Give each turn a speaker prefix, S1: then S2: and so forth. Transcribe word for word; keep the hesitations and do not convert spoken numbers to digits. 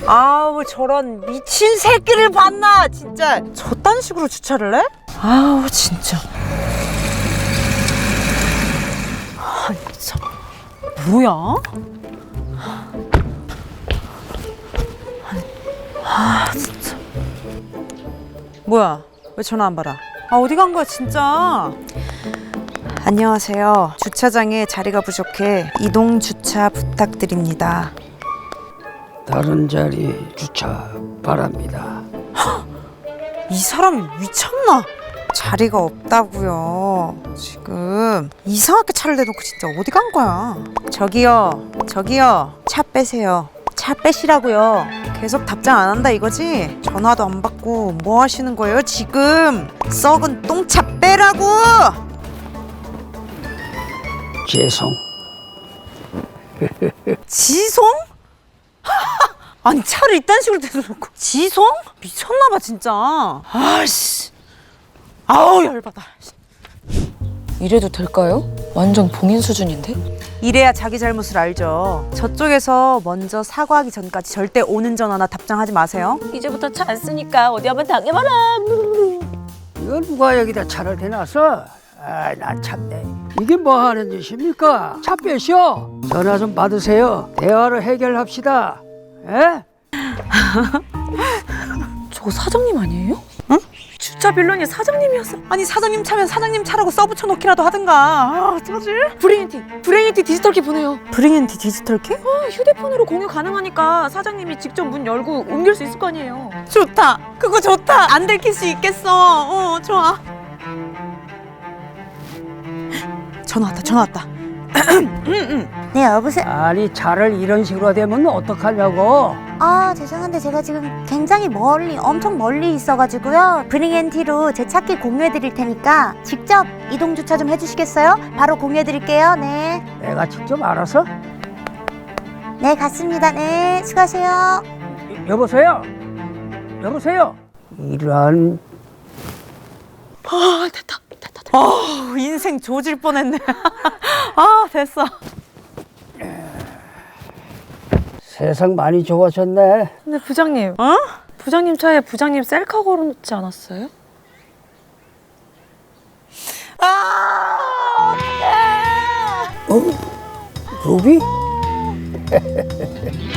S1: 아우 저런 미친 새끼를 봤나 진짜. 저딴 식으로 주차를 해? 아우 진짜. 아니 참 뭐야? 아니, 아 진짜. 뭐야? 왜 전화 안 받아? 아 어디 간 거야 진짜? 안녕하세요. 주차장에 자리가 부족해 이동 주차 부탁드립니다.
S2: 다른 자리 주차 바랍니다.
S1: 이 사람이 미쳤나? 자리가 없다고요. 지금 이상하게 차를 대놓고 진짜 어디 간 거야? 저기요, 저기요, 차 빼세요. 차 빼시라고요. 계속 답장 안 한다 이거지? 전화도 안 받고 뭐 하시는 거예요 지금? 썩은 똥차 빼라고!
S2: 죄송.
S1: 지송? 아니 차를 이딴 식으로 대놓고 지송? 미쳤나봐 진짜. 아씨, 아우 열받아.
S3: 이래도 될까요? 완전 봉인 수준인데?
S1: 이래야 자기 잘못을 알죠. 저쪽에서 먼저 사과하기 전까지 절대 오는 전화나 답장하지 마세요.
S3: 이제부터 차 안 쓰니까 어디 한번 당해봐라.
S2: 이걸 누가 여기다 차를 대놨어? 아, 나 참네. 이게 뭐 하는 짓입니까? 차 빼시오. 전화 좀 받으세요. 대화를 해결합시다. 에?
S3: 저거 사장님 아니에요?
S1: 응?
S3: 주차 빌런이 사장님이었어.
S1: 아니 사장님 차면 사장님 차라고 써붙여 놓기라도 하든가. 아 어떡하지?
S3: 브레인티, 브레인티 디지털키 보내요.
S1: 브링앤디 디지털키?
S3: 어, 휴대폰으로 공유 가능하니까 사장님이 직접 문 열고 옮길 수 있을 거 아니에요.
S1: 좋다. 그거 좋다. 안 들킬 수 있겠어. 어 좋아. 전화 왔다. 전화 왔다.
S4: 네, 여보세요?
S2: 아니 차를 이런 식으로 되면 어떡하냐고.
S4: 아, 죄송한데 제가 지금 굉장히 멀리, 엄청 멀리 있어가지고요. 브링앤티로 제 차키 공유해드릴 테니까 직접 이동주차 좀 해주시겠어요? 바로 공유해드릴게요. 네.
S2: 내가 직접 알아서?
S4: 네, 갔습니다. 네, 수고하세요.
S2: 여보세요? 여보세요? 이런.
S3: 아, 됐다, 됐다, 됐다.
S1: 어 인생 조질 뻔했네. 아 됐어.
S2: 세상 많이 좋아졌네.
S3: 근데 부장님,
S1: 어?
S3: 부장님 차에 부장님 셀카 걸어놓지 않았어요?
S1: 아 어떡해.
S2: 어? 루비?